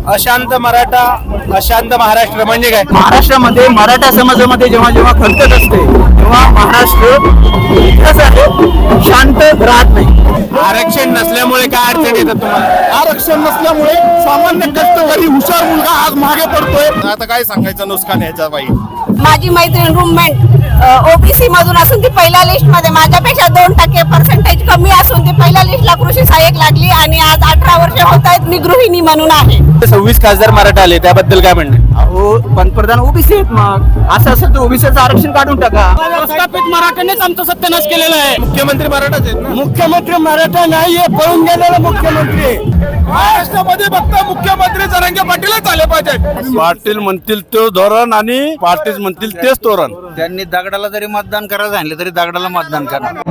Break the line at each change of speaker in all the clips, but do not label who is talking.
अशांत मराठा अशांत महाराष्ट्र म्हणजे काय?
महाराष्ट्रामध्ये मराठा समाजामध्ये जेव्हा जेव्हा खलकत असते तेव्हा महाराष्ट्र कसं आहे, शांत राहत नाही.
आरक्षण नसल्यामुळे काय अडचण येतात तुम्हाला?
आरक्षण नसल्यामुळे सामान्य कष्टकरी हुशार मुलगा आज मागे पडतोय. आता काय सांगायचं नुकसान ह्याच्या बाई.
माझी मैत्रीण रूममेट ओबीसी मधून असून ती पहिल्या लिस्ट मध्ये माझ्यापेक्षा 2% पर्सेंटेज कमी असून ती पहिल्या लिस्टला कृषी सहाय्यक लागली आणि आज 18 वर्ष होत आहेत मी गृहिणी म्हणून आहे.
26 खासदार मराठा आले, त्याबद्दल काय म्हणणे?
अहो पंतप्रधान ओबीसी आहेत, मग असं असेल तर ओबीसीचं आरक्षण काढून टाका.
प्रस्थापित मराठ्यांनीच आमचा सत्यानाश केलेला आहे.
मुख्यमंत्री मराठाच आहेत ना?
मुख्यमंत्री मराठा नाहीये, पळून गेलेला मुख्यमंत्री. महाराष्ट्रामध्ये फक्त मुख्यमंत्री जरांगे पाटीलच आले पाहिजे.
पाटील म्हणतील तो धोरण आणि पाटील म्हणतील तेच धोरण.
त्यांनी दगडाला जरी मतदान करायला सांगितलं तरी दगडाला मतदान करणार.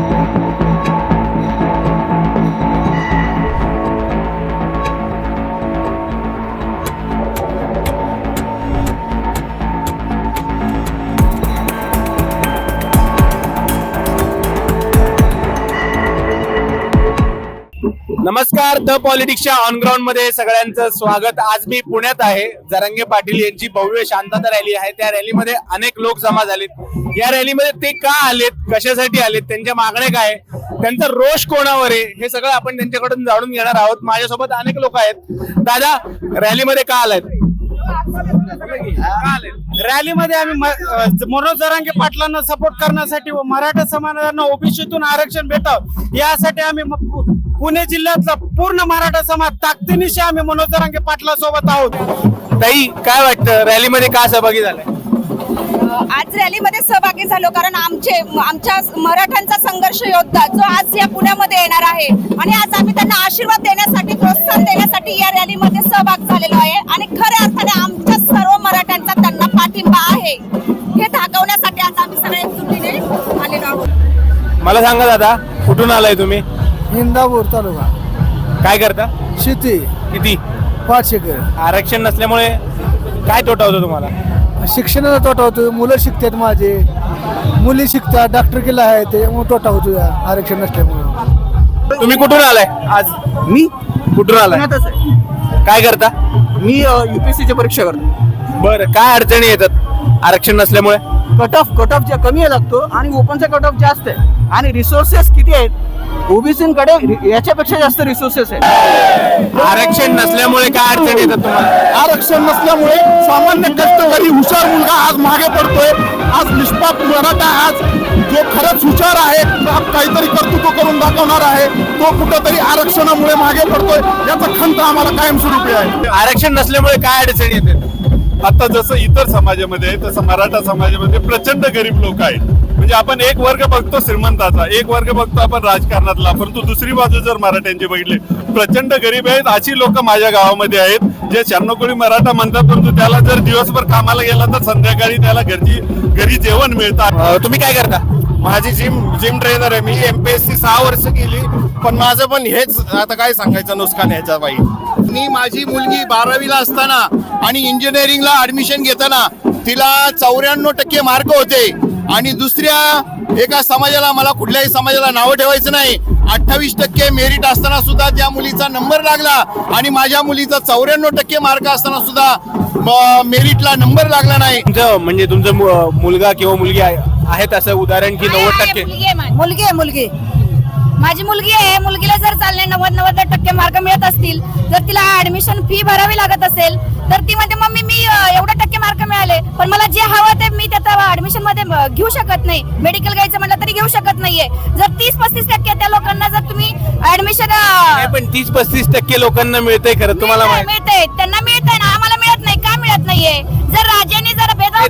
नमस्कार, द पॉलिटिक्सच्या ऑन ग्राउंड मध्ये सगळ्यांचं स्वागत. आज मी पुण्यात आहे. जरांगे पाटील यांची भव्य शांतता रॅली आहे. त्या रॅलीमध्ये अनेक लोक जमा झालेत. या रॅलीमध्ये ते का आलेत, कशासाठी आलेत, त्यांच्या मागण्या काय, त्यांचा रोष कोणावर आहे, हे सगळं आपण त्यांच्याकडून जाणून घेणार आहोत. माझ्यासोबत अनेक लोक आहेत. दादा, रॅलीमध्ये का आलात?
रॅलीमध्ये आम्ही मनोज जरांगे पाटलांना सपोर्ट करण्यासाठी व मराठा समाजाला ओबीसीतून आरक्षण भेटावं यासाठी आम्ही पुणे जिल्ह्यातला पूर्ण मराठा समाज ताकदीनिशी आम्ही मनोज जरांगे पाटला सोबत आहोत.
ताई, काय वाटतं, रॅलीमध्ये का सहभागी झालाय?
आज रॅलीमध्ये सहभागी झालो कारण आमच्या मराठ्यांचा संघर्ष योद्धा जो आज या पुण्यामध्ये येणार आहे आणि आज आम्ही त्यांना आशीर्वाद देण्यासाठी, प्रोत्साहन देण्यासाठी या रॅलीमध्ये सहभाग झालेलो आहे आणि खऱ्या अर्थाने आमच्या सर्व मराठ्यांचा त्यांना पाठिंबा आहे हे दाखवण्यासाठी आज आम्ही सगळे एकजुटीने आलेलो आहोत.
मला सांगा दादा, कुठून आलाय तुम्ही?
इंदापूर तालुका.
काय करता?
शेती
किती?
5 एकर.
आरक्षण नसल्यामुळे काय तोटा होतो तुम्हाला?
शिक्षणाचा तोटा होतो. मुलं शिकतात, माझे मुली शिकतात, डॉक्टर केला आहे, त्यामुळे तोटा होतो या आरक्षण नसल्यामुळे.
तुम्ही कुठून आलाय आज?
मी
कुठून आलाय?
पुण्यातच आहे.
काय करता?
मी युपीएससीची परीक्षा करतो.
बरं, काय अडचणी येतात आरक्षण नसल्यामुळे?
कट ऑफ जे कमी लागतो आणि ओपनचा कट ऑफ जास्त आहे आणि रिसोर्सेस किती आहेत, ओबीसीकडे याच्यापेक्षा जास्त रिसोर्सेस आहेत.
आरक्षण नसल्यामुळे काय अडचणी येतात तुम्हाला?
आरक्षण नसल्यामुळे सामान्य कष्टकरी हुशार मुलगा आज मागे पडतोय. आज निष्पाप मराठा आज जो खरंच हुशार आहे, काहीतरी कर्तृत्व करून दाखवणार आहे, तो कुठंतरी आरक्षणामुळे मागे पडतोय. याचा खंत आम्हाला कायमस्वरूपी आहे.
आरक्षण नसल्यामुळे काय अडचणी येतात?
आता जसं इतर समाजामध्ये आहे तसं मराठा समाजामध्ये प्रचंड गरीब लोक आहेत. म्हणजे आपण एक वर्ग बघतो श्रीमंताचा, एक वर्ग बघतो आपण राजकारणातला, परंतु दुसरी बाजू जर मराठ्यांची बघितली प्रचंड गरीब आहेत. अशी लोक माझ्या गावामध्ये आहेत जे 96 कोळी मराठा म्हणतात, परंतु त्याला जर दिवसभर कामाला गेला तर संध्याकाळी त्याला घरी जेवण मिळतात.
तुम्ही काय करता?
माझी जिम ट्रेनर आहे. मी MPSC 6 वर्ष केली, पण माझं पण हेच आता काय सांगायचं नुकसान ह्याच्या बाई. मी माझी मुलगी 12वीला असताना आणि इंजिनिअरिंगला ऍडमिशन घेताना तिला 94% मार्क होते आणि दुसऱ्या एका समाजाला, मला कुठल्याही समाजाला नावं ठेवायचं नाही, 28% मेरिट असताना सुद्धा त्या मुलीचा नंबर लागला आणि माझ्या मुलीचा 94% मार्क असताना सुद्धा मेरिटला नंबर लागला नाही.
म्हणजे तुमचा मुलगा किंवा मुलगी आहेत असं उदाहरण की 90%?
मुलगी माझी मुलगी आहे. मुलगीला जर चालले 90% मार्क मिळत असतील, जर तिला ऍडमिशन फी भरावी लागत असेल तर ती म्हणते मम्मी मी एवढे टक्के मार्क मिळाले पण मला जे हवं ते मी त्याचा ऍडमिशन मध्ये घेऊ शकत नाही. मेडिकल घ्यायचं म्हटलं तरी घेऊ शकत नाहीये. जर 30-35% त्या लोकांना जर तुम्ही ऍडमिशन,
पण 30-35% लोकांना मिळतंय खरं, तुम्हाला
मिळतंय, त्यांना मिळतंय ना, आम्हाला मिळत नाही. का मिळत नाहीये? जर राज्याने जर भेदभाव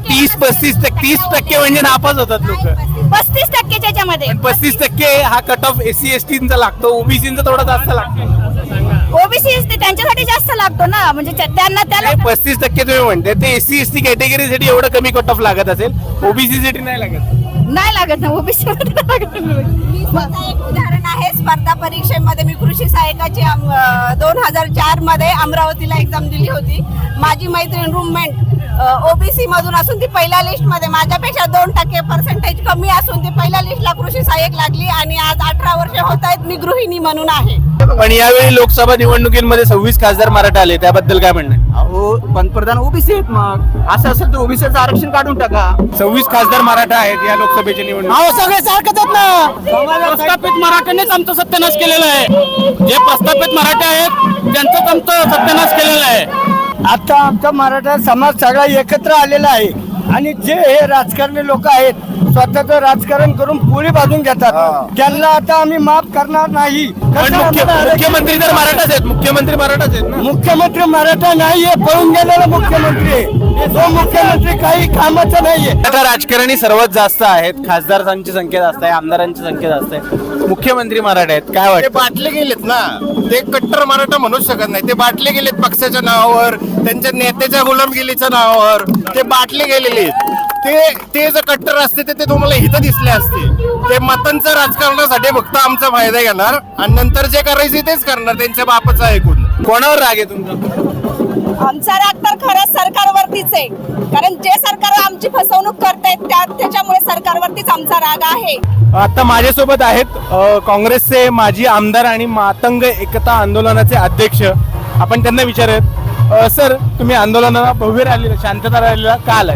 30% म्हणजे नापास होतात लोक.
35% त्याच्यामध्ये
35% हा कट ऑफ SC-ST लागतो, ओबीसीचा थोडा जास्त लागतो.
ओबीसी त्यांच्यासाठी जास्त लागतो ना, म्हणजे त्यांना त्याला
35% तुम्ही म्हणते ते SC-ST कॅटेगरीसाठी एवढं कमी कट ऑफ लागत असेल, ओबीसी साठी नाही लागत
ना. ओबीसी मध्ये एक उदाहरण आहे. स्पर्धा परीक्षेमध्ये मी कृषी सहाय्यकाची 2004 मध्ये अमरावतीला एक्झाम दिली होती. माझी मैत्रीण रूममेट ओबीसी मधून असून ती पहिल्या लिस्ट मध्ये माझ्यापेक्षा 2% पर्सेंटेज कमी असून ती पहिल्या लिस्टला कृषी सहाय्यक लागली आणि आज 18 वर्ष होत आहेत मी गृहिणी म्हणून आहे.
पण यावेळी लोकसभा निवडणुकीमध्ये 26 खासदार मराठा आले, त्याबद्दल काय म्हणणं आहे?
अहो पंतप्रधान ओबीसी आहेत, मग असं असेल तर ओबीसीचं आरक्षण काढून टाका.
26 खासदार मराठा आहेत या लोकसभेच्या निवडणुकीत.
अहो सगळे सारखंच आहेत ना. प्रस्थापित मराठ्यांनीच आमचा सत्यानाश केलेला आहे. जे प्रस्थापित मराठे आहेत त्यांचाच आमचा सत्यानाश केलेला आहे.
आता आमचा मराठा समाज सगळा एकत्र आलेला आहे आणि जे हे राजकारणी लोक आहेत स्वतःचं राजकारण करून पुढे बाजून घेतात, त्यांना आता आम्ही माफ करणार नाही.
पण मुख्यमंत्री तर मराठाच आहेत, मुख्यमंत्री मराठाच आहेत ना.
मुख्यमंत्री मराठा नाहीये, पळून गेलेला मुख्यमंत्री आहे. तो मुख्यमंत्री काही कामाचा नाहीये.
आता राजकारणी सर्वात जास्त आहेत, खासदारांची संख्या जास्त आहे, आमदारांची संख्या जास्त आहे, मुख्यमंत्री मराठा आहेत. काय
ते
वाटतं?
बाटले गेलेत ना, ते कट्टर मराठा म्हणूच शकत नाही. ते बाटले गेलेत पक्षाच्या नावावर, त्यांच्या नेत्याच्या गुलामगिरीच्या नावावर ते बाटले गेलेले आहेत. ते जर कट्टर असते तर ते तुम्हाला हित दिसले असते. ते मतांचं राजकारणासाठी फक्त आमचा फायदा घेणार आणि नंतर जे करायचे तेच करणार त्यांच्या बापाचं ऐकून.
कोणावर राग आहे तुमचा?
आमचा राग तर खरंच सरकारवरतीच आहे, कारण जे सरकार आमची फसवणूक करतायत त्याच्यामुळे सरकारवरतीच आमचा राग आहे.
आता माझ्यासोबत आहेत काँग्रेसचे माजी आमदार आणि मातंग एकता आंदोलनाचे अध्यक्ष. आपण त्यांना विचारूयात, सर तुम्ही आंदोलनाला भव्य रॅलीला, शांतता रॅलीला का आलाय?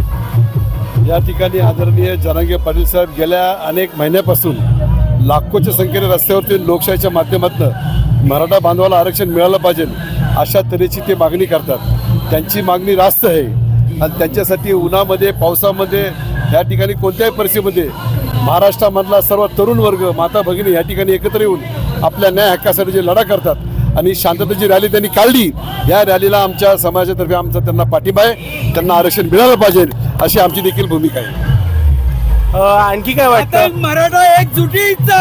या ठिकाणी आदरणीय जरांगे पाटील साहेब गेल्या अनेक महिन्यापासून लाखोच्या संख्येने रस्त्यावरती लोकशाहीच्या माध्यमातून मराठा बांधवाला आरक्षण मिळालं पाहिजे अशा तऱ्हेची ते मागणी करतात. त्यांची मागणी रास्त आहे आणि त्यांच्यासाठी उन्हामध्ये पावसामध्ये या ठिकाणी कोणत्याही परिस्थितीमध्ये महाराष्ट्रामधला सर्व तरुण वर्ग माता भगिनी या ठिकाणी एकत्र येऊन आपल्या न्याय हक्कासाठी जे लढा करतात आणि शांततेची रॅली त्यांनी काढली. या रॅलीला आमच्या समाजातर्फे आमचा त्यांना पाठिंबा आहे. त्यांना आरक्षण मिळालं पाहिजे अशी आमची देखील भूमिका आहे.
आणखी काय वाटतं?
मराठा एकजुटीचा,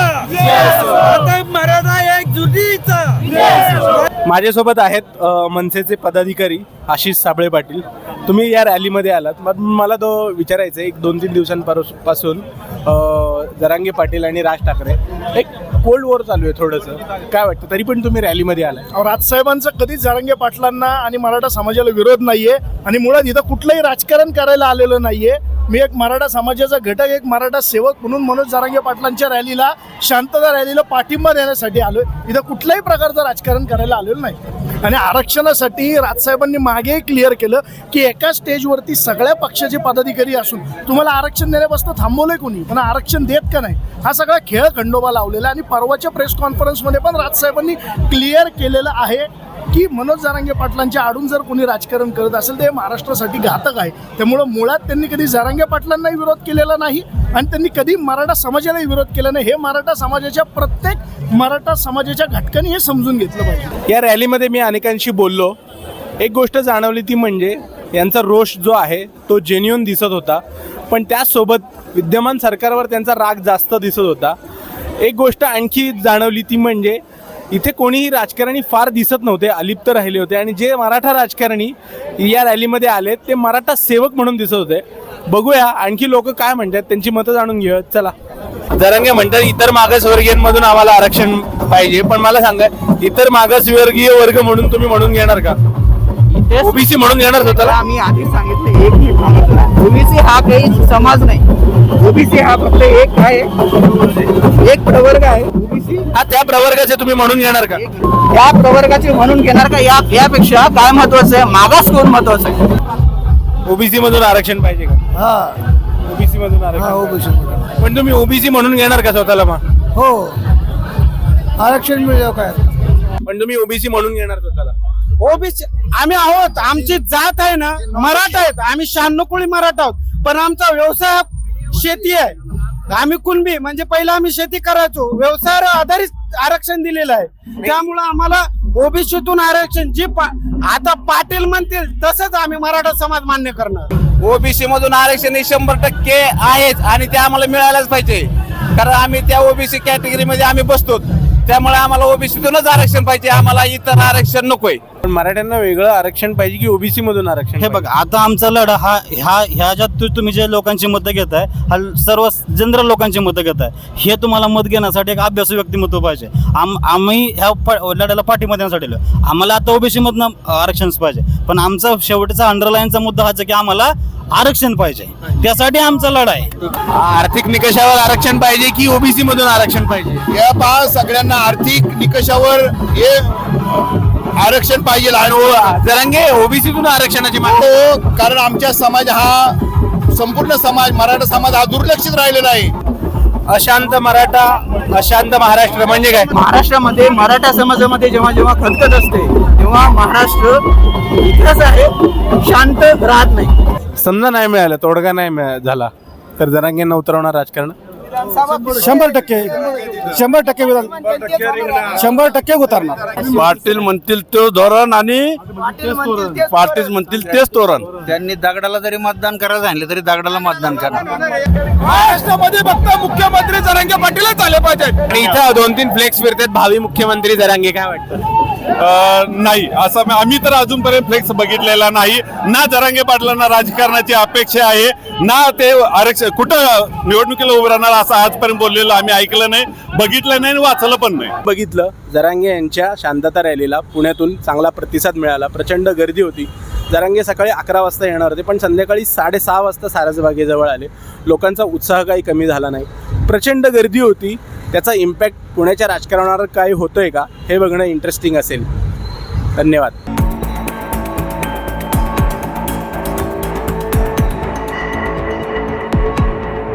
मराठा एकजुटीचा.
माझ्यासोबत आहेत मनसेचे पदाधिकारी आशिष साबळे पाटील. तुम्ही या रॅलीमध्ये आलात, मग मला तो विचारायचं आहे, एक 2-3 दिवसांपासून जरांगे पाटील आणि राज ठाकरे एक कोल्ड वॉर चालू आहे थोडंसं, काय वाटतं? तरी पण तुम्ही रॅलीमध्ये आलाय.
राजसाहेबांचा कधीच जरांगे पाटलांना आणि मराठा समाजाला विरोध नाहीये आणि मुळात इथं कुठलंही राजकारण करायला आलेलं नाहीये. मी एक मराठा समाजाचा घटक, एक मराठा सेवक म्हणून मनोज जरांगे पाटलांच्या रॅलीला, शांतता रॅलीला पाठिंबा देण्यासाठी आलोय. इथं कुठल्याही प्रकारचं राजकारण करायला आलेलं नाही. आणि आरक्षणासाठी राजसाहेबांनी मागे क्लिअर केलं की एका स्टेजवरती सगळ्या पक्षाचे पदाधिकारी असून तुम्हाला आरक्षण देण्यापासून थांबवलंय कोणी, पण आरक्षण देत का नाही हा सगळा खेळ खंडोबा लावलेला. आणि परवाच्या प्रेस कॉन्फरन्समध्ये पण राजसाहेबांनी क्लिअर केलेलं आहे की मनोज जरांगे पाटलांच्या आडून जर कोणी राजकारण करत असेल तर हे महाराष्ट्रासाठी घातक आहे. त्यामुळं मुळात त्यांनी कधी जरांगे पाटलांनाही विरोध केलेला नाही आणि त्यांनी कधी मराठा समाजालाही विरोध केला नाही. हे मराठा समाजाच्या प्रत्येक मराठा समाजाच्या घटकांनी हे समजून घेतलं पाहिजे.
या रॅलीमध्ये मी अनेकांशी बोललो, एक गोष्ट जाणवली ती म्हणजे यांचा रोष जो आहे तो जेन्युइन दिसत होता, पण त्याचसोबत विद्यमान सरकारवर त्यांचा राग जास्त दिसत होता. एक गोष्ट आणखी जाणवली ती म्हणजे इथे कोणीही राजकारणी फार दिसत नव्हते, अलिप्त राहिले होते आणि जे मराठा राजकारणी या रॅलीमध्ये आले ते मराठा सेवक म्हणून दिसत होते. बघूया आणखी लोक काय म्हणतात, त्यांची मतं जाणून घेऊया. चला. जरांगे म्हणतात इतर मागासवर्गीयांमधून आम्हाला आरक्षण पाहिजे, पण मला सांगा इतर मागासवर्गीय वर्ग म्हणून तुम्ही म्हणून घेणार का? ओबीसी म्हणून घेणार स्वतःला?
आम्ही आधी सांगितलं एक ओबीसी हा काही समाज नाही. ओबीसी हा फक्त एक आहे, एक प्रवर्ग आहे. ओबीसी
हा त्या प्रवर्गाचे तुम्ही म्हणून घेणार का?
या प्रवर्गाचे म्हणून घेणार का यापेक्षा काय महत्वाचं आहे, मागास कोण महत्वाचं आहे?
ओबीसी मधून आरक्षण पाहिजे का?
हा
ओबीसी मधून आरक्षण.
ओबीसी.
पण तुम्ही ओबीसी म्हणून घेणार का स्वतःला? मग
हो आरक्षण मिळेल काय?
पण तुम्ही ओबीसी म्हणून घेणार स्वतःला?
ओबीसी आम्ही आहोत, आमची जात आहे ना मराठा आहेत, आम्ही 96 कोळी मराठा आहोत, पण आमचा व्यवसाय शेती आहे. आम्ही कुणबी म्हणजे पहिला आम्ही शेती करायचो, व्यवसायावर आधारित आरक्षण दिलेलं आहे. त्यामुळं आम्हाला ओबीसीतून आरक्षण जी आता पाटील म्हणतील तसंच आम्ही मराठा समाज मान्य करणार.
ओबीसी मधून आरक्षण हे 100% आहेच आणि ते आम्हाला मिळायलाच पाहिजे, कारण आम्ही त्या ओबीसी कॅटेगरीमध्ये आम्ही बसतो. त्यामुळे आम्हाला ओबीसीतूनच आरक्षण पाहिजे, आम्हाला इतर आरक्षण नकोय.
पण मराठ्यांना वेगळं आरक्षण पाहिजे की ओबीसी मधून आरक्षण?
हे बघ, आता आमचा लढा ह्या ज्यात तुम्ही जे लोकांची मतं घेताय, हा सर्व जनरल लोकांची मतं घेताय. हे तुम्हाला मत घेण्यासाठी एक अभ्यासू व्यक्तिमत्व पाहिजे. आम्ही ह्या लढ्याला पाठिंबा देण्यासाठी आलोय. आम्हाला आता ओबीसी मधनं आरक्षण पाहिजे, पण आमचा शेवटचा अंडरलाईनचा मुद्दा हाच आहे की आम्हाला आरक्षण पाहिजे. त्यासाठी आमचा लढा आहे.
आर्थिक निकषावर आरक्षण पाहिजे की ओबीसी मधून आरक्षण पाहिजे?
या पहा, सगळ्यांना आर्थिक निकषावर हे आरक्षण पाहिजे.
जरांगे ओबीसीतून आरक्षणाची मागणी.
हो, कारण आमच्या समाज हा संपूर्ण समाज, मराठा समाज हा दुर्लक्षित राहिलेला आहे.
अशांत मराठा, अशांत महाराष्ट्र म्हणजे काय?
महाराष्ट्रामध्ये मराठा समाजामध्ये जेव्हा जेव्हा खतखत असते तेव्हा महाराष्ट्र इतिहास आहे, शांत राहत नाही.
समजा नाही मिळालं, तोडगा नाही झाला तर जरांगेंना उतरवणार राजकारण?
100% विधान 100% उतरणार.
पाटील म्हणतील तो धोरण आणि पाटील म्हणतील तेच धोरण.
त्यांनी दगडाला जरी मतदान करायला सांगितलं तरी दगडाला मतदान करणार.
महाराष्ट्रामध्ये फक्त मुख्यमंत्री जरांगे पाटीलच आले पाहिजे. आणि इथं 2-3 फ्लेक्स फिरतात भावी मुख्यमंत्री जरांगे, काय वाटतं?
नाही, असं आम्ही तर अजूनपर्यंत फ्लेक्स बघितलेला नाही. ना जरांगे पाटलांना राजकारणाची अपेक्षा आहे, ना ते आरक्षण कुठं निवडणुकीला उभं राहणार असं आजपर्यंत बोललेलं आम्ही ऐकलं नाही, बघितलं नाही, वाचलं पण नाही.
बघितलं, जरांगे यांच्या शांतता रॅलीला पुण्यातून चांगला प्रतिसाद मिळाला. प्रचंड गर्दी होती. जरांगे सकाळी 11 वाजता येणार होते, पण संध्याकाळी 6:30 वाजता सारसबागेजवळ आले. लोकांचा उत्साह काही कमी झाला नाही. प्रचंड गर्दी होती. त्याचा इम्पॅक्ट पुण्याच्या राजकारणावर काय होतोय का हे बघणं इंटरेस्टिंग असेल. धन्यवाद.